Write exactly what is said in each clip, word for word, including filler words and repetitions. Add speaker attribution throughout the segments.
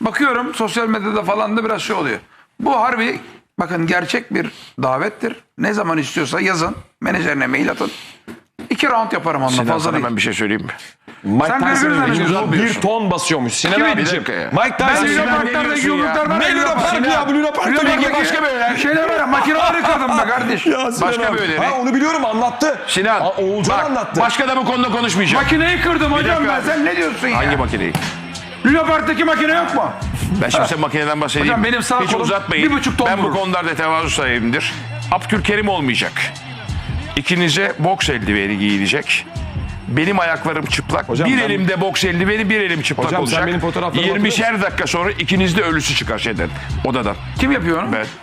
Speaker 1: bakıyorum sosyal medyada falan da biraz şey oluyor. Bu harbi bakın gerçek bir davettir. Ne zaman istiyorsa yazın. Menajerine mail atın. İki round yaparım onunla
Speaker 2: Sinan
Speaker 1: fazla
Speaker 2: sana
Speaker 1: değil.
Speaker 2: ben bir şey söyleyeyim mi?
Speaker 3: Mike
Speaker 1: Sen
Speaker 3: Tyson'ın
Speaker 1: birbirine
Speaker 3: vücudu
Speaker 1: uzatmıyorsun.
Speaker 3: bir ton basıyormuş. Sinan
Speaker 1: Kimin?
Speaker 3: abiciğim.
Speaker 2: Bir dakika ya.
Speaker 3: Mike
Speaker 1: Ben
Speaker 3: Tyson.
Speaker 1: Luna
Speaker 2: Sinan ne
Speaker 1: Park'lardaki
Speaker 2: diyorsun ya?
Speaker 1: yumruklardan
Speaker 3: Ne Luna
Speaker 1: ayrılamam.
Speaker 3: Park ya? Bu Luna Park'ta
Speaker 1: Luna
Speaker 3: belki
Speaker 1: Park'taki
Speaker 2: başka bir öğren.
Speaker 1: Şeyler var ya makineleri kadın be kardeş.
Speaker 3: Ya Sinan
Speaker 2: Başka
Speaker 3: abi.
Speaker 2: bir öneri.
Speaker 3: Ha onu biliyorum anlattı.
Speaker 2: Sinan.
Speaker 3: Aa, Oğulcan
Speaker 2: bak,
Speaker 3: anlattı.
Speaker 2: Başka da bu konuda konuşmayacağım.
Speaker 1: Makineyi kırdım hocam
Speaker 2: dakika
Speaker 1: ben.
Speaker 2: abi.
Speaker 1: Sen ne diyorsun ya?
Speaker 2: Hangi makineyi?
Speaker 1: Luna Park'taki makine yok mu?
Speaker 2: Ben şimdi size makineden bahsedeyim.
Speaker 1: Hocam benim sağ
Speaker 2: Hiç
Speaker 1: kolum
Speaker 2: uzatmayın.
Speaker 1: bir buçuk ton
Speaker 2: Ben bu
Speaker 1: vurur.
Speaker 2: konularda tevazu sahibimdir. Abdülkerim olmayacak. İkinize boks eldiveni giyilecek. Benim ayaklarım çıplak.
Speaker 3: Hocam
Speaker 2: bir
Speaker 3: ben-
Speaker 2: elimde boks eldiveni, bir elim çıplak
Speaker 3: Hocam sen
Speaker 2: olacak.
Speaker 3: benim fotoğraflarımı
Speaker 2: yirmişer dakika sonra ikinizde ölüsü çıkar şeyden, odadan.
Speaker 1: Kim yapıyor onu?
Speaker 2: Ben.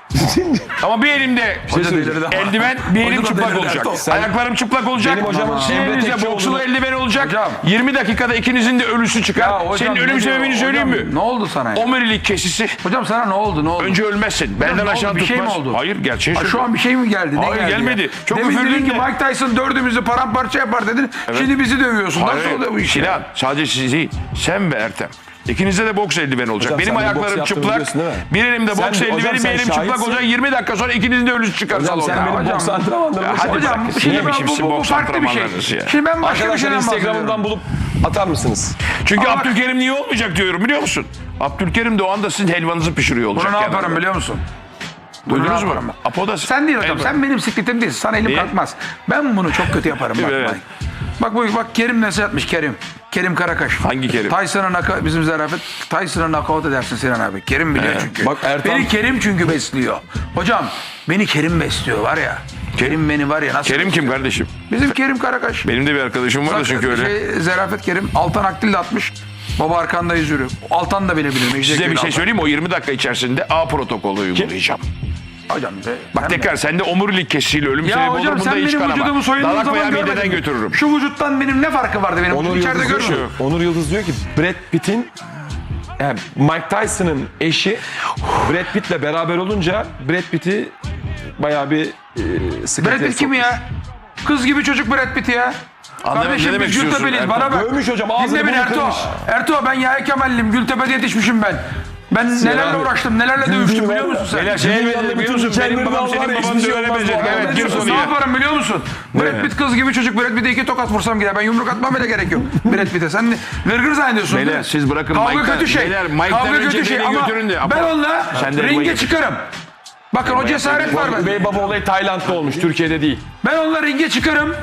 Speaker 2: Ama bir elimde
Speaker 3: söyleyeceğim.
Speaker 2: eldiven, bir elim
Speaker 1: Hoca da
Speaker 2: çıplak
Speaker 1: delirdi
Speaker 2: olacak.
Speaker 1: Ertuğrul.
Speaker 3: Sen-
Speaker 2: Ayaklarım çıplak olacak.
Speaker 3: Benim hocamın
Speaker 2: Sizin
Speaker 3: Emre
Speaker 2: elinizde
Speaker 3: Tekçioğlu'nu-
Speaker 2: boksulu eldiven olacak.
Speaker 1: Hocam.
Speaker 2: yirmi dakikada ikinizin de ölüsü çıkar.
Speaker 1: Ya hocam,
Speaker 2: Senin
Speaker 1: ne
Speaker 2: ölüm
Speaker 1: diyor?
Speaker 2: sebebini söyleyeyim
Speaker 1: Hocam,
Speaker 2: mi?
Speaker 1: Ne oldu sana ya?
Speaker 2: Omurilik kesisi.
Speaker 1: Hocam sana ne oldu ne oldu?
Speaker 2: Önce ölmezsin. Benden
Speaker 1: ne oldu?
Speaker 2: aşağı
Speaker 1: Bir
Speaker 2: tutmaz.
Speaker 1: şey mi oldu?
Speaker 2: Hayır, gerçeği
Speaker 1: Ha, şu
Speaker 2: söylüyorum.
Speaker 1: an bir şey mi geldi? Ne
Speaker 2: Hayır,
Speaker 1: geldi
Speaker 2: gelmedi.
Speaker 1: ya?
Speaker 2: Çok
Speaker 1: Demin
Speaker 2: üfürdün
Speaker 1: dedin ki
Speaker 2: de.
Speaker 1: Mike Tyson dördümüzü paramparça yapar dedin. Şimdi bizi dövüyorsun. Nasıl
Speaker 2: Hayır,
Speaker 1: oluyor bu iş?
Speaker 2: Sinan, sadece siz değil. Sen ve Ertem. İkinizde de boks eldiveni olacak.
Speaker 3: Hocam,
Speaker 2: Benim
Speaker 3: sen de boks
Speaker 2: ayaklarım
Speaker 3: yaptığını
Speaker 2: çıplak.
Speaker 3: biliyorsun değil mi?
Speaker 2: Bir elimde
Speaker 3: Sen-
Speaker 2: boks
Speaker 3: hocam,
Speaker 2: eldiveni, bir
Speaker 3: sen
Speaker 2: elim çıplak
Speaker 3: şahitsin.
Speaker 2: olacak. yirmi dakika sonra ikinizin de ölüsü çıkar
Speaker 3: Hocam
Speaker 2: salonda.
Speaker 3: sen benim
Speaker 1: hocam.
Speaker 3: boks antrenmanlarımı
Speaker 2: Hadi
Speaker 3: şahit-
Speaker 1: Hocam
Speaker 2: bırak.
Speaker 1: şimdi
Speaker 2: Ne
Speaker 1: ben,
Speaker 2: biçimsin
Speaker 1: bu, bu
Speaker 2: boks
Speaker 1: farklı bir şey.
Speaker 2: antrenmanlarınız ya?
Speaker 1: Şimdi ben başka bir
Speaker 3: Arkadaşlar
Speaker 1: şeyden
Speaker 3: Instagram'dan
Speaker 1: bahsediyorum.
Speaker 3: bulup atar mısınız?
Speaker 2: Çünkü
Speaker 1: Ama bak-
Speaker 2: Abdülkerim niye olmayacak diyorum biliyor musun? Abdülkerim de o anda sizin helvanızı pişiriyor olacak.
Speaker 1: Bunu ne
Speaker 2: kenarda.
Speaker 1: yaparım biliyor musun?
Speaker 2: Duydunuz
Speaker 1: Bunu
Speaker 2: mu?
Speaker 1: ne yaparım
Speaker 2: Apo'da
Speaker 1: Sen değil hocam.
Speaker 2: Elvan.
Speaker 1: Sen benim sikletim değilsin. Sana elim
Speaker 2: Niye?
Speaker 1: kalkmaz. Ben bunu çok kötü yaparım. Bak,
Speaker 2: Evet.
Speaker 1: bak. Bak bu bak Kerim mesaj atmış Kerim. Kerim Karakaş.
Speaker 2: Hangi Kerim?
Speaker 1: Tyson'a naka bizim zarafet. Tyson'a knockout edersin Sinan abi. Kerim biliyor çünkü.
Speaker 3: Bak Ertan-
Speaker 1: Beni Kerim çünkü besliyor. Hocam beni Kerim besliyor var ya. Kerim beni var ya nasıl?
Speaker 2: Kerim kim kardeşim?
Speaker 1: Bizim Kerim Karakaş.
Speaker 2: Benim de bir arkadaşım var da çünkü öyle.
Speaker 1: Şey, Zarafet Kerim. Altan Akdil de atmış. Baba arkandayız yürü. Altan da bilebilir. Mecid
Speaker 2: Size bir
Speaker 1: Ekbil
Speaker 2: şey
Speaker 1: Altan.
Speaker 2: söyleyeyim mi? O yirmi dakika içerisinde A protokolü uygulayacağım.
Speaker 1: Hocam de.
Speaker 2: Bak
Speaker 1: ben de-
Speaker 2: tekrar sende omurilik kesisiyle ölüm
Speaker 1: Ya
Speaker 2: sebebi olur.
Speaker 1: hocam
Speaker 2: Bunda
Speaker 1: sen
Speaker 2: hiç
Speaker 1: benim
Speaker 2: kanama.
Speaker 1: vücudumu soyunduğun
Speaker 2: Dalak
Speaker 1: zaman
Speaker 2: veya mideden
Speaker 1: görmedin mi?
Speaker 2: götürürüm.
Speaker 1: Şu vücuttan benim ne farkı vardı benim?
Speaker 3: Onur
Speaker 1: İçeride
Speaker 3: Yıldız, diyor ki,
Speaker 1: görmüyorum.
Speaker 3: Onur Yıldız diyor ki Brad Pitt'in yani Mike Tyson'ın eşi Brad Pitt'le beraber olunca Brad Pitt'i bayağı bir e, sıkıntıya
Speaker 1: Brad Pitt kim
Speaker 3: sokmuş.
Speaker 1: ya? Kız gibi çocuk Brad Pitt ya.
Speaker 2: Anlamadım, ne
Speaker 1: Kardeşim
Speaker 2: demek
Speaker 1: biz
Speaker 2: istiyorsun
Speaker 1: Gültepe'liyiz.
Speaker 2: Ertan?
Speaker 1: Bana bak.
Speaker 3: Dövmüş hocam, ağzını
Speaker 1: Dinle beni
Speaker 3: bunu
Speaker 1: Ertuğ.
Speaker 3: kırmış.
Speaker 1: Ertuğ ben Yahya Kemal'liyim. Gültepe'de yetişmişim ben. Ben nelerle
Speaker 3: abi.
Speaker 1: uğraştım, nelerle dövüştüm biliyor musun sen?
Speaker 2: Beyler şey
Speaker 3: Dünyanın
Speaker 2: biliyor musun?
Speaker 3: bütün
Speaker 2: Benim
Speaker 3: dikenleri
Speaker 2: babam
Speaker 3: var
Speaker 2: senin
Speaker 3: ya,
Speaker 2: baban
Speaker 3: hiçbir
Speaker 2: da
Speaker 3: şey
Speaker 2: öyle
Speaker 3: olmaz bu
Speaker 2: beceri.
Speaker 3: arada.
Speaker 2: Evet
Speaker 3: Ne
Speaker 2: gir
Speaker 3: diyorsun?
Speaker 2: konuya.
Speaker 1: Ne yaparım biliyor musun? Brad Pitt kız gibi çocuk. Brad Pitt'e iki tokat vursam gider. Ben yumruk atmam bile gerek yok. Brad Pitt'e. Sen ne- gırgır zannediyorsun değil
Speaker 2: Beyler,
Speaker 1: mi?
Speaker 2: siz bırakın
Speaker 1: Kavga
Speaker 2: Mike'dan-
Speaker 1: kötü şey.
Speaker 2: beyler, Mike'dan
Speaker 1: Kavga
Speaker 2: önce
Speaker 1: kötü şey
Speaker 2: beni
Speaker 1: ama
Speaker 2: götürün de.
Speaker 1: ben
Speaker 2: Apo,
Speaker 1: onunla
Speaker 2: sen de
Speaker 1: ringe
Speaker 2: Elva'yı-
Speaker 1: çıkarım. Bakın o cesaret var bende.
Speaker 3: Üvey baba olayı Tayland'da olmuş, Türkiye'de değil.
Speaker 1: Ben onunla ringe çıkarım.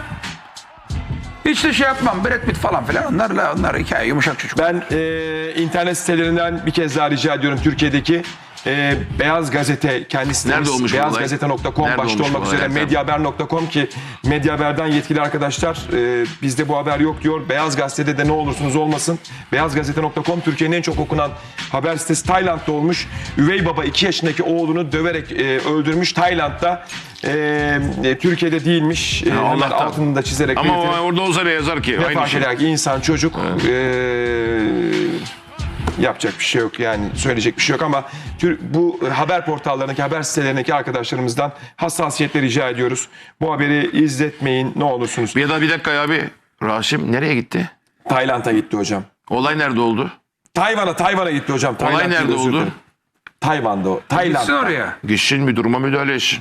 Speaker 1: Hiç de şey yapmam. Brad Pitt falan filan. Onlarla onlar hikaye yumuşak çocuk.
Speaker 3: Ben e, internet sitelerinden bir kez daha rica ediyorum Türkiye'deki e, Beyaz Gazete kendi sitemiz
Speaker 2: Nerede olmuş bu olay?
Speaker 3: beyazgazete nokta com
Speaker 2: Nerede
Speaker 3: başta
Speaker 2: olmuş bu
Speaker 3: olmak
Speaker 2: olay
Speaker 3: üzere
Speaker 2: efendim?
Speaker 3: medyahaber nokta com ki Medyahaber'den yetkili arkadaşlar e, bizde bu haber yok diyor. Beyaz Gazete'de de ne olursunuz olmasın. beyazgazete nokta com Türkiye'nin en çok okunan haber sitesi Tayland'da olmuş. Üvey baba iki yaşındaki oğlunu döverek e, öldürmüş Tayland'da. E, e, Türkiye'de değilmiş. E, hemen
Speaker 2: Allah'tan.
Speaker 3: altını da çizerek
Speaker 2: Ama
Speaker 3: belirtelim.
Speaker 2: orada olsa ne yazar ki?
Speaker 3: Ne
Speaker 2: Aynı
Speaker 3: fark
Speaker 2: şey.
Speaker 3: eder ki insan çocuk eee, yapacak bir şey yok yani söyleyecek bir şey yok ama tür- bu haber portallarındaki haber sitelerindeki arkadaşlarımızdan hassasiyetle rica ediyoruz. Bu haberi izletmeyin ne olursunuz.
Speaker 2: Ya da bir dakika ya abi. Rasim nereye gitti?
Speaker 3: Tayland'a gitti hocam.
Speaker 2: Olay nerede oldu?
Speaker 3: Tayvan'a Tayvan'a gitti hocam.
Speaker 2: Olay
Speaker 3: Tayland
Speaker 2: nerede
Speaker 3: değil, özür
Speaker 2: oldu?
Speaker 3: dilerim. Tayvan'da o. Tayland'da.
Speaker 1: Gitsin oraya.
Speaker 2: Gitsin bir duruma müdahale etsin.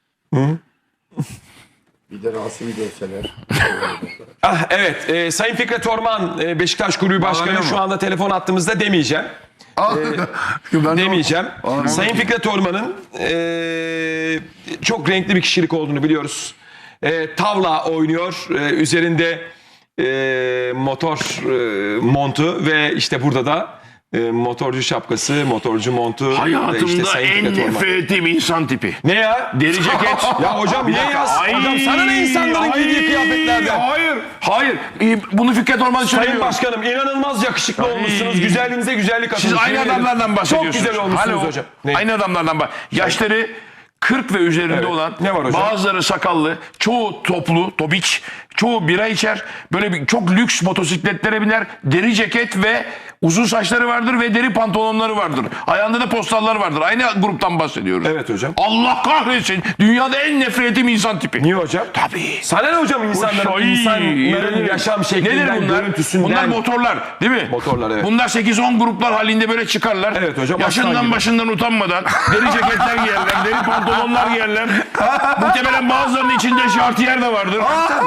Speaker 4: Bir de Rasim'i dövseler.
Speaker 3: Ah, evet e, Sayın Fikret Orman e, Beşiktaş Kulübü Başkanı
Speaker 1: Bağlanıyor
Speaker 3: şu
Speaker 1: mu?
Speaker 3: anda telefon attığımızda demeyeceğim.
Speaker 1: Ben de-
Speaker 3: Demeyeceğim. Sayın Fikret Orman'ın eee, çok renkli bir kişilik olduğunu biliyoruz. Eee, tavla oynuyor. Eee, üzerinde eee, motor eee, montu ve işte burada da eee, motorcu şapkası, motorcu montu. ve
Speaker 2: Hayatımda
Speaker 3: işte Sayın
Speaker 2: en
Speaker 3: Fikret Orman.
Speaker 2: nefret ettiğim insan tipi.
Speaker 3: Ne ya?
Speaker 2: Deri ceket.
Speaker 3: Ya hocam niye yaz?
Speaker 2: Ay,
Speaker 3: Hocam sana ne insanların
Speaker 2: ay,
Speaker 3: giydiği kıyafetlerden?
Speaker 2: Hayır. Hayır. Ee, Bunu Fikret Orman
Speaker 3: Sayın
Speaker 2: söylüyor.
Speaker 3: Başkanım inanılmaz yakışıklı olmuşsunuz. Güzelliğinize güzellik
Speaker 2: Siz
Speaker 3: katılmışsınız.
Speaker 2: aynı
Speaker 3: Yemin ederim.
Speaker 2: adamlardan bahsediyorsunuz.
Speaker 3: Çok güzel olmuşsunuz
Speaker 2: Alo.
Speaker 3: hocam. Ne?
Speaker 2: Aynı adamlardan bak. Yaşları kırk ve üzerinde
Speaker 3: Evet.
Speaker 2: olan,
Speaker 3: Ne var hocam?
Speaker 2: bazıları sakallı, çoğu toplu, topiç, çoğu bira içer, böyle bir, çok lüks motosikletlere biner, deri ceket ve Uzun saçları vardır ve deri pantolonları vardır. Ayağında da postallar vardır. Aynı gruptan bahsediyoruz.
Speaker 3: Evet hocam.
Speaker 2: Allah kahretsin. Dünyada en nefret ettiğim insan tipi.
Speaker 3: Niye hocam?
Speaker 2: Tabii.
Speaker 3: Sana ne hocam insanların,
Speaker 2: Ay,
Speaker 3: insanların yaşam şeklinden,
Speaker 2: Nedir bunlar?
Speaker 3: görüntüsünden?
Speaker 2: Bunlar motorlar değil mi?
Speaker 3: Motorlar, evet.
Speaker 2: Bunlar sekiz on gruplar halinde böyle çıkarlar.
Speaker 3: Evet hocam, aslan
Speaker 2: Yaşından
Speaker 3: gibi.
Speaker 2: başından utanmadan deri ceketler giyerler, deri pantolonlar giyerler. Muhtemelen bazılarının içinde şartiyer de vardır.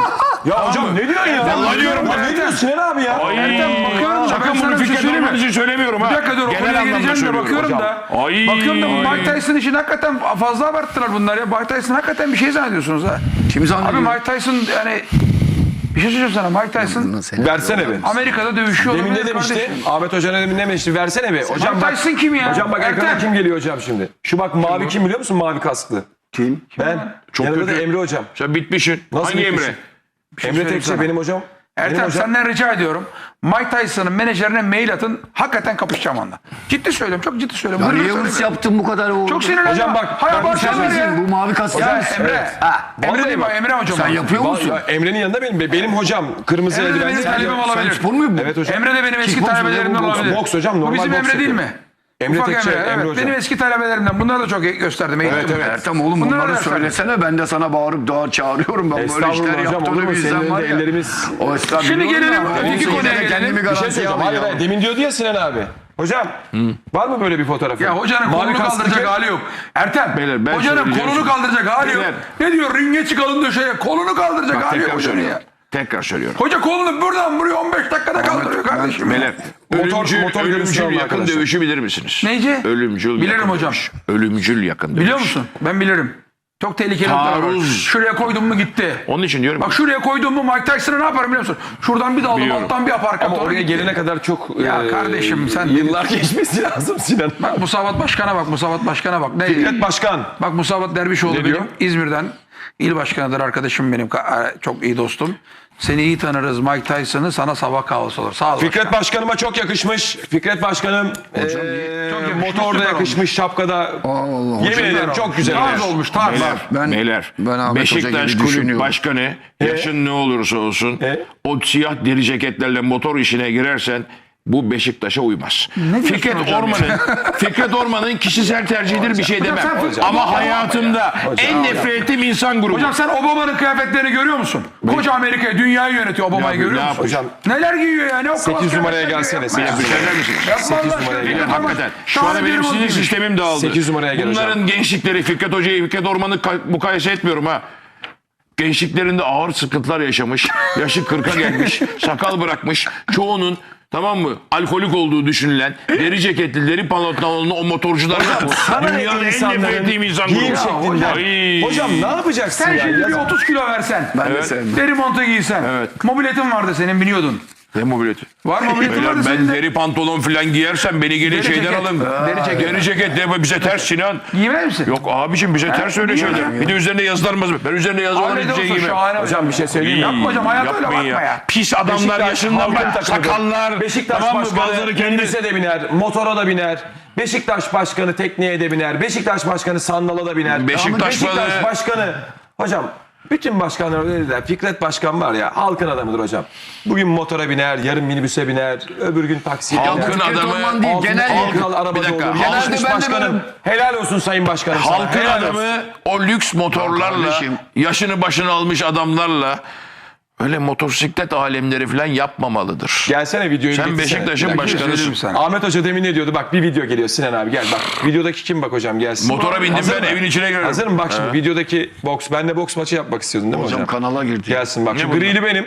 Speaker 3: Ya hocam ne diyorsun ya?
Speaker 2: Vallahi diyorum
Speaker 3: Ya
Speaker 2: ben.
Speaker 3: ne diyorsun Sinan abi ya?
Speaker 2: Ay,
Speaker 1: bakıyorum da ben
Speaker 2: sakın
Speaker 1: sana
Speaker 2: bunu
Speaker 1: bir şey
Speaker 2: Fikret
Speaker 1: söyleyeyim mi?
Speaker 2: Orman için söylemiyorum ha.
Speaker 1: Bir dakika dur o
Speaker 2: Genel
Speaker 1: konuya
Speaker 2: anlamda
Speaker 1: geleceğim de
Speaker 2: söylüyorum
Speaker 1: bakıyorum
Speaker 2: hocam.
Speaker 1: da.
Speaker 2: Ay.
Speaker 1: Bakıyorum da bu Mike Tyson için hakikaten fazla abarttılar bunlar ya. Mike Tyson hakikaten bir şey zannediyorsunuz ha.
Speaker 5: Kim
Speaker 1: Abi
Speaker 5: zannediyor?
Speaker 1: Mike Tyson yani bir şey söyleyeceğim sana. Mike Tyson
Speaker 3: Versene be.
Speaker 1: Amerika'da dövüşüyor
Speaker 3: Demin ne
Speaker 1: olabilir
Speaker 3: demişti?
Speaker 1: kardeşim.
Speaker 3: Ahmet Hoca ne demin ne demişti? Versene be. Hocam
Speaker 1: Mike
Speaker 3: bak.
Speaker 1: Tyson kim ya?
Speaker 3: Hocam bak ekrana
Speaker 1: Ertem.
Speaker 3: kim geliyor hocam şimdi? Şu bak mavi kim biliyor musun? Mavi kasklı.
Speaker 5: Kim?
Speaker 3: Ben.
Speaker 2: Çok
Speaker 3: Yanında
Speaker 2: kötü.
Speaker 3: da Emre hocam.
Speaker 2: Sen bitmişsin.
Speaker 3: Nasıl
Speaker 2: Hangi
Speaker 3: bitmişsin?
Speaker 2: Emre?
Speaker 3: Emre
Speaker 1: söyleyeyim
Speaker 3: Tekçe
Speaker 1: sana.
Speaker 3: benim hocam. Benim
Speaker 1: Ertem
Speaker 3: hocam.
Speaker 1: senden rica ediyorum. Mike Tyson'ın menajerine mail atın. Hakikaten kapışacağım onunla. Ciddi söylüyorum. Çok ciddi söylüyorum.
Speaker 5: Ya
Speaker 1: Hırgür
Speaker 5: niye hırs
Speaker 1: söylemiyorum.
Speaker 5: yaptın bu kadar oğlum?
Speaker 1: Çok sinirlendim.
Speaker 3: Hocam bak,
Speaker 1: Hay
Speaker 3: bak bir şey
Speaker 1: abartıyorlar ya.
Speaker 5: söyleyeyim, bu mavi kask
Speaker 1: Ya
Speaker 5: sen misin?
Speaker 1: Emre.
Speaker 3: Evet.
Speaker 5: Ha,
Speaker 1: Emre
Speaker 3: Vallahi
Speaker 1: değil mi?
Speaker 3: bak.
Speaker 1: Emre hocam.
Speaker 5: sen
Speaker 1: var.
Speaker 5: yapıyor musun?
Speaker 3: Vallahi Emre'nin yanında benim. Benim hocam kırmızı
Speaker 1: Emre de benim
Speaker 3: eldivenli.
Speaker 1: talebim
Speaker 5: Sen
Speaker 1: olabilir.
Speaker 5: spor mu bu?
Speaker 3: Evet hocam.
Speaker 1: Emre de benim eski
Speaker 5: Kickbox mu,
Speaker 1: talebelerimden
Speaker 5: bu boks-
Speaker 1: olabilir.
Speaker 3: boks hocam,
Speaker 1: Bu
Speaker 3: normal
Speaker 1: bizim
Speaker 3: boks
Speaker 1: Emre değil
Speaker 3: yapıyor.
Speaker 1: mi?
Speaker 3: Emre
Speaker 1: Ufak
Speaker 3: Tekçe,
Speaker 1: Emre,
Speaker 3: Emre
Speaker 1: evet.
Speaker 3: hocam.
Speaker 1: Benim eski talebelerimden. Bunları da çok gösterdim.
Speaker 3: Evet,
Speaker 1: eğittim.
Speaker 3: evet.
Speaker 5: Ertem oğlum
Speaker 1: Bunları
Speaker 5: bunları
Speaker 1: da
Speaker 5: söylesene, ben de sana bağırıp daha çağırıyorum. Ben böyle
Speaker 3: Estağfurullah
Speaker 5: işler
Speaker 3: hocam, olur
Speaker 5: yaptığını
Speaker 3: mu?
Speaker 5: bilsem
Speaker 3: Senin
Speaker 5: var
Speaker 3: de
Speaker 5: ya.
Speaker 3: ellerimiz...
Speaker 5: O estağfurullah.
Speaker 1: Şimdi gelelim,
Speaker 5: Ama
Speaker 1: öteki
Speaker 5: olsun,
Speaker 1: konuya
Speaker 5: yine de
Speaker 1: gelelim.
Speaker 5: kendimi
Speaker 3: Bir şey
Speaker 5: garantiye
Speaker 3: söyleyeceğim. Hayır,
Speaker 5: alayım.
Speaker 3: hayır. Demin diyordu ya Sinan abi. Hocam var mı böyle bir fotoğrafı?
Speaker 1: Ya hocanın
Speaker 3: Mavi
Speaker 1: kolunu
Speaker 3: kasklı
Speaker 1: kaldıracak
Speaker 3: ke-
Speaker 1: hali yok. Ertem,
Speaker 2: Beyler, ben
Speaker 1: hocanın
Speaker 2: söyleyeceğim
Speaker 1: kolunu
Speaker 2: şimdi.
Speaker 1: kaldıracak hali yok.
Speaker 2: Beyler.
Speaker 1: Ne diyor? Ringe çıkalım döşeye. Kolunu kaldıracak
Speaker 2: Bak
Speaker 1: hali yok
Speaker 2: tekrar
Speaker 1: hocanın ya.
Speaker 2: söylüyorum. Tekrar söylüyorum.
Speaker 1: Hoca kolunu buradan buraya on beş dakikada kaldırıyor kardeşim.
Speaker 2: Beyler,
Speaker 3: Motor-
Speaker 2: ölümcül,
Speaker 3: motor görüntüsü
Speaker 2: ölümcül
Speaker 3: alın
Speaker 2: yakın
Speaker 3: arkadaşlar.
Speaker 2: dövüşü bilir misiniz?
Speaker 1: Neyci?
Speaker 2: Ölümcül
Speaker 1: Bilirim
Speaker 2: yakın
Speaker 1: hocam.
Speaker 2: dövüş. Ölümcül yakın dövüş.
Speaker 1: Biliyor musun? Ben bilirim. Çok tehlikeli noktalar var.
Speaker 2: Taarruz.
Speaker 1: Şuraya koydum mu gitti.
Speaker 2: Onun için diyorum.
Speaker 1: Bak şuraya koydum mu Mike Tyson'a ne yaparım biliyor musun? Şuradan bir daldım,
Speaker 2: Biliyorum.
Speaker 1: alttan bir aparkat.
Speaker 3: Ama
Speaker 1: doğru
Speaker 3: oraya
Speaker 1: gitti.
Speaker 3: gelene kadar çok
Speaker 1: Ya
Speaker 3: e,
Speaker 1: kardeşim sen-
Speaker 3: yıllar geçmesi lazım Sinan.
Speaker 1: Bak Musavat Başkan'a bak, Musavat Başkan'a bak. Ne?
Speaker 3: Fikret Başkan.
Speaker 1: Bak Musavat Dervişoğlu
Speaker 3: Ne
Speaker 1: benim
Speaker 3: diyor?
Speaker 1: İzmir'den il başkanıdır arkadaşım benim. Ka- Çok iyi dostum. Seni iyi tanırız Mike Tyson'ı, sana sabah kahvaltısı olur. Sağ ol.
Speaker 3: Fikret Başkanıma çok yakışmış. Fikret Başkanım e,
Speaker 1: Çok yakışmış,
Speaker 3: motorda
Speaker 1: süper
Speaker 3: yakışmış, şapkada.
Speaker 5: Allah,
Speaker 3: Yemin
Speaker 5: hocam,
Speaker 3: ederim çok güzel.
Speaker 1: Tarz olmuş, tarz.
Speaker 2: Beyler,
Speaker 5: Ben-
Speaker 2: beyler,
Speaker 5: ben Ahmet Hoca
Speaker 2: Beşiktaş
Speaker 5: gibi
Speaker 2: Kulüp
Speaker 5: düşünüyorum.
Speaker 2: Başkanı yaşın ne olursa olsun
Speaker 3: E?
Speaker 2: o siyah deri ceketlerle motor işine girersen bu Beşiktaş'a uymaz.
Speaker 1: diyorsun
Speaker 2: Fikret
Speaker 1: hocam
Speaker 2: Orman'ın Fikret Orman'ın kişisel tercihidir bir şey demem.
Speaker 1: sen futbol-
Speaker 2: Ama
Speaker 1: Hocam,
Speaker 2: hayatımda en nefret ettiğim insan grubu.
Speaker 1: Hocam sen Obama'nın kıyafetlerini görüyor musun? Koca Amerika'yı, dünyayı yönetiyor Obama'yı
Speaker 2: Ne
Speaker 1: görüyor
Speaker 2: yap-
Speaker 1: musun?
Speaker 2: ne
Speaker 3: Hocam
Speaker 1: Neler giyiyor ya? Ne o
Speaker 3: sekiz
Speaker 1: klas
Speaker 3: numaraya
Speaker 1: kıyafetler
Speaker 3: gelsene,
Speaker 1: giyiyor?
Speaker 3: sekiz
Speaker 1: Yapma
Speaker 2: Bir
Speaker 1: ya.
Speaker 2: söyler misiniz?
Speaker 1: Yapma
Speaker 3: sekiz
Speaker 1: Allah
Speaker 3: numaraya
Speaker 1: aşkına.
Speaker 3: gel.
Speaker 2: Beyler,
Speaker 1: Yapma.
Speaker 2: hakikaten. Şu
Speaker 1: Şahane
Speaker 2: anda benim
Speaker 1: bir
Speaker 2: sinir
Speaker 1: giymiş.
Speaker 2: sistemim dağıldı.
Speaker 3: sekiz numaraya geleceğim.
Speaker 2: Bunların gençlikleri Fikret Hoca'yı, Fikret Orman'ı ka- mukayese etmiyorum ha. Gençliklerinde ağır sıkıntılar yaşamış. Yaşı kırka gelmiş. Sakal bırakmış. Çoğunun tamam mı? Alkolik olduğu düşünülen deri ceketli, deri pantolonlu o motorcular
Speaker 3: Sana ne
Speaker 2: dünyanın en
Speaker 3: insanların
Speaker 2: nefret ettiğim insan
Speaker 3: giyim
Speaker 2: grubu.
Speaker 3: şeklinden.
Speaker 2: Ay.
Speaker 3: Hocam ne yapacaksın
Speaker 1: Sen
Speaker 3: ya?
Speaker 1: şimdi bir
Speaker 3: Yazık.
Speaker 1: otuz kilo versen.
Speaker 5: Ben de
Speaker 2: Evet.
Speaker 5: sevmem.
Speaker 1: Deri montu giysen.
Speaker 2: Evet.
Speaker 1: Mobiletin vardı senin biliyordun.
Speaker 2: Ne mobileti?
Speaker 1: Var mobiletin
Speaker 2: Beyler,
Speaker 1: vardı
Speaker 2: ben
Speaker 1: senin de.
Speaker 2: deri pantolon falan giyersem beni gelin
Speaker 1: Deri
Speaker 2: şeyden
Speaker 1: ceket.
Speaker 2: alın.
Speaker 1: Deri ceket.
Speaker 2: Deri ceket de bize ters Sinan.
Speaker 1: Giymez misin?
Speaker 2: Yok abicim bize ters öyle
Speaker 1: niye
Speaker 2: şeyler.
Speaker 1: hocam?
Speaker 2: Bir de üzerine yazılar mı? Ben üzerine yazı olan
Speaker 1: Aile
Speaker 2: hiçbir şey
Speaker 1: olsun
Speaker 2: giymem.
Speaker 1: şahane.
Speaker 3: Hocam bir şey söyleyeyim mi?
Speaker 1: Yapma hocam, hayata öyle
Speaker 2: Yapmayın
Speaker 1: bakma ya.
Speaker 2: Pis adamlar
Speaker 3: Beşiktaş
Speaker 2: yaşından
Speaker 3: halkın
Speaker 2: bak.
Speaker 3: takımıdır.
Speaker 2: Sakallar.
Speaker 3: Beşiktaş
Speaker 2: tamam mı?
Speaker 3: Başkanı
Speaker 2: Bazıları kendi
Speaker 3: minibüse de biner, motora da biner. Beşiktaş Başkanı tekneye de biner. Beşiktaş Başkanı sandala da biner.
Speaker 2: Beşiktaş
Speaker 3: Beşiktaş
Speaker 2: balığı-
Speaker 3: Başkanı. Hocam bütün başkanlar öyle dediler. Fikret Başkan var ya halkın adamıdır hocam. Bugün motora biner, yarın minibüse biner, öbür gün taksiye
Speaker 2: Halkın
Speaker 3: biner.
Speaker 5: Fikret
Speaker 2: adamı-
Speaker 5: Orman değil,
Speaker 3: Altın-
Speaker 5: genel
Speaker 3: altın
Speaker 5: yakın.
Speaker 3: arabada
Speaker 2: Bir dakika,
Speaker 3: olur.
Speaker 2: halkın-
Speaker 3: Genelde
Speaker 5: ben de
Speaker 3: başkanım.
Speaker 5: varım.
Speaker 3: Helal olsun sayın başkanım sana.
Speaker 2: Halkın
Speaker 3: Helal olsun.
Speaker 2: adamı o lüks motorlarla,
Speaker 5: kardeşim.
Speaker 2: yaşını başını almış adamlarla öyle motosiklet alemleri falan yapmamalıdır.
Speaker 3: Gelsene videoyu
Speaker 2: Sen
Speaker 3: getirsene.
Speaker 2: Beşiktaş'ın
Speaker 3: Bir dakika,
Speaker 2: başkanısın.
Speaker 1: söyleyeyim sana.
Speaker 3: Ahmet Hoca demin ne diyordu? Bak bir video geliyor Sinan abi gel bak. Videodaki kim bak hocam gelsin.
Speaker 2: Motora bindim
Speaker 3: Hazır
Speaker 2: ben,
Speaker 3: mı?
Speaker 2: evin içine girerim.
Speaker 3: Hazır mı? Bak şimdi videodaki boks. Ben de boks maçı yapmak istiyordun değil mi hocam?
Speaker 5: Hocam kanala girdi.
Speaker 3: Gelsin bak. Şu
Speaker 2: bunlar?
Speaker 3: grili benim.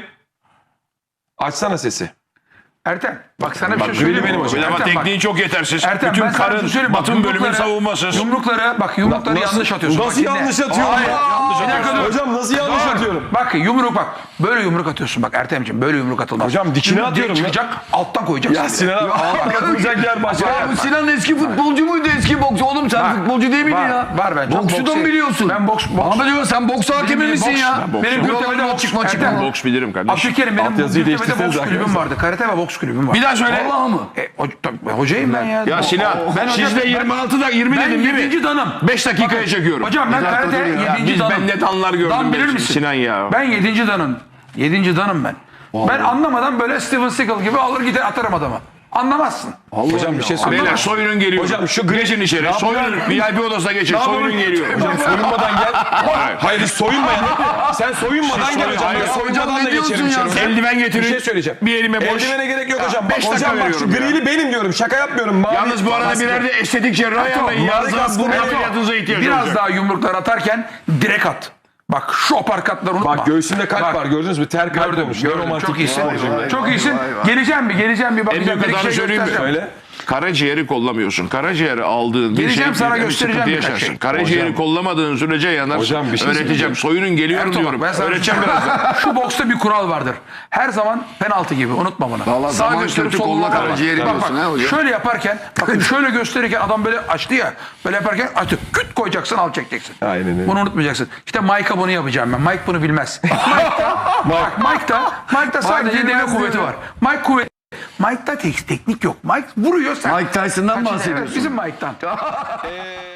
Speaker 3: Açsana sesi.
Speaker 1: Ertem bak sana bir
Speaker 3: Bak,
Speaker 1: şey söyleyeyim.
Speaker 3: benim hocam.
Speaker 2: Ama
Speaker 1: Ertem, bak.
Speaker 2: tekniği çok yetersiz.
Speaker 1: Ertem
Speaker 2: Bütün
Speaker 1: ben sana bir
Speaker 2: karın
Speaker 1: şey söyleyeyim. Bak,
Speaker 2: batın bölümün
Speaker 1: yumrukları-
Speaker 2: savunmasız.
Speaker 1: Yumrukları bak yumrukları
Speaker 3: Nasıl-
Speaker 1: yanlış atıyorsun.
Speaker 3: nasıl
Speaker 1: Bak, dinle.
Speaker 3: yanlış atıyorum
Speaker 1: Hayır,
Speaker 3: ya?
Speaker 1: yanlış
Speaker 3: Bir dakika
Speaker 1: atıyorsun.
Speaker 3: dur. Hocam nasıl yanlış
Speaker 1: Dur.
Speaker 3: atıyorum?
Speaker 1: Bak yumruk bak. Böyle yumruk atıyorsun bak Ertemciğim. Böyle yumruk atılmaz.
Speaker 3: Hocam dikine
Speaker 1: Yumruk
Speaker 3: atıyorum ya.
Speaker 1: çıkacak alttan koyacaksın.
Speaker 3: Ya Sinan abi ağzına atılacak yer başka.
Speaker 5: Ya bu Sinan eski futbolcu muydu, eski boksçu? Oğlum sen
Speaker 1: Var.
Speaker 5: futbolcu değil miydin
Speaker 1: Var,
Speaker 5: ya?
Speaker 1: var ben çok
Speaker 5: Boksu da
Speaker 1: boks-
Speaker 5: mı biliyorsun?
Speaker 1: Ben boks- boks-
Speaker 5: Ahmet Hoca sen boks hakemi
Speaker 1: Benim
Speaker 5: misin
Speaker 1: boks-
Speaker 5: ya?
Speaker 1: ben boks- Benim
Speaker 5: Buralardan
Speaker 1: Gültepe'de boks-
Speaker 5: çıkma çıkma.
Speaker 1: Ertem.
Speaker 2: Boks bilirim kardeşim.
Speaker 1: Abdülkerim benim
Speaker 3: Altyazıyı
Speaker 1: Gültepe'de boks
Speaker 3: değiştirseniz
Speaker 1: kulübüm
Speaker 3: arkadaşlar.
Speaker 1: vardı. Karate ve boks kulübüm vardı.
Speaker 2: Bir daha söyle.
Speaker 5: Vallahi mı?
Speaker 1: E, o, tabii, hocayım ben ya.
Speaker 2: Ya Sinan
Speaker 1: Ben hocam-
Speaker 2: siz de
Speaker 1: ben-
Speaker 2: yirmi altıda yirmi
Speaker 1: Ben
Speaker 2: dedim değil mi?
Speaker 1: yedinci danım.
Speaker 2: beş dakikaya çekiyorum.
Speaker 1: Hocam ben karate
Speaker 5: dur ya.
Speaker 1: yedinci
Speaker 2: Biz
Speaker 1: danım.
Speaker 2: ben net anlar gördüm.
Speaker 1: Dan bilir
Speaker 2: ben.
Speaker 1: misin?
Speaker 2: Sinan ya.
Speaker 1: Ben yedinci danım. Yedinci danım ben. Ben anlamadan böyle Steven Seagal gibi alır gider atarım adamı. Anlamazsın.
Speaker 3: Hocam bir şey söyleyeyim.
Speaker 2: Beyler soyunun geliyor.
Speaker 3: Hocam şu gri-
Speaker 2: geçin içeri. Soyunun V I P odasına geçin. Soyunun geliyor.
Speaker 3: Hocam soyunmadan gel. Hayır hiç soyunmayan. Sen soyunmadan gel hocam.
Speaker 2: Hayır,
Speaker 3: Ben soyunmadan da
Speaker 5: ne diyorsun
Speaker 3: geçerim
Speaker 5: ya?
Speaker 3: içeri.
Speaker 2: Eldiven getirin.
Speaker 3: Bir şey söyleyeceğim.
Speaker 2: Bir elime boş.
Speaker 3: Eldivene gerek yok hocam. Bak
Speaker 2: beş dakika
Speaker 3: hocam bak şu
Speaker 2: veriyorum ya.
Speaker 3: grili benim diyorum. Şaka yapmıyorum. Mavi,
Speaker 2: Yalnız bu arada
Speaker 3: maske.
Speaker 2: birer de estetik cerrah ayarlayın. Yalnız
Speaker 3: maske-
Speaker 2: burun
Speaker 3: Ato,
Speaker 2: ameliyatınıza ihtiyaç
Speaker 1: Biraz
Speaker 2: olacak.
Speaker 1: daha yumruklar atarken direkt at. Bak şu aparkatları unutma.
Speaker 3: Bak göğsünde kalp
Speaker 1: Bak,
Speaker 3: var gördünüz mü? Ter kalp
Speaker 1: Gördüm,
Speaker 3: olmuş.
Speaker 1: gördüm.
Speaker 3: Romantik.
Speaker 1: Çok iyisin.
Speaker 5: Vay, vay,
Speaker 1: Çok
Speaker 5: vay,
Speaker 1: iyisin.
Speaker 5: vay, vay.
Speaker 1: Geleceğim bir, geleceğim bir
Speaker 2: En
Speaker 1: bakacağım.
Speaker 2: büyük
Speaker 1: Bir iki
Speaker 2: hatanı
Speaker 1: şey
Speaker 2: söyleyeyim mi?
Speaker 1: göstereceğim.
Speaker 3: Söyle.
Speaker 2: Karaciğeri kollamıyorsun. Karaciğeri aldığın bir
Speaker 1: Geleceğim,
Speaker 2: şey
Speaker 1: sana
Speaker 2: bir
Speaker 1: göstereceğim
Speaker 2: sıkıntı
Speaker 1: birkaç
Speaker 2: yaşarsın.
Speaker 1: şey.
Speaker 2: Karaciğeri
Speaker 3: Hocam.
Speaker 2: kollamadığın sürece yanarsın.
Speaker 3: Hocam bir şey
Speaker 2: Öğreteceğim.
Speaker 3: söyleyeceğim.
Speaker 2: Soyunun geliyorum
Speaker 1: Ertuğrul,
Speaker 2: diyorum.
Speaker 1: ben sana-
Speaker 2: Öğreteceğim birazdan.
Speaker 1: Şu boksta bir kural vardır. Her zaman penaltı gibi. Unutma bunu.
Speaker 5: Vallahi zaman kötü, kolla karaciğeri
Speaker 1: Bak bak.
Speaker 5: diyorsun ha hocam.
Speaker 1: Şöyle yaparken, bakın şöyle gösterirken adam böyle açtı ya. Böyle yaparken açtı. Küt koyacaksın, al çekeceksin.
Speaker 3: Aynen öyle.
Speaker 1: Bunu unutmayacaksın. İşte Mike'a bunu yapacağım ben. Mike bunu bilmez. Mike'da, bak Mike'da, Mike'da sadece deve
Speaker 5: bilmez
Speaker 1: kuvveti
Speaker 5: diyor.
Speaker 1: var. Mike kuvvet. Mike'da tek, teknik yok. Mike vuruyor sen.
Speaker 5: Mike Tyson'dan
Speaker 1: Kaçın-
Speaker 5: bahsediyorsun.
Speaker 1: Evet, bizim Mike'dan.
Speaker 3: Ee,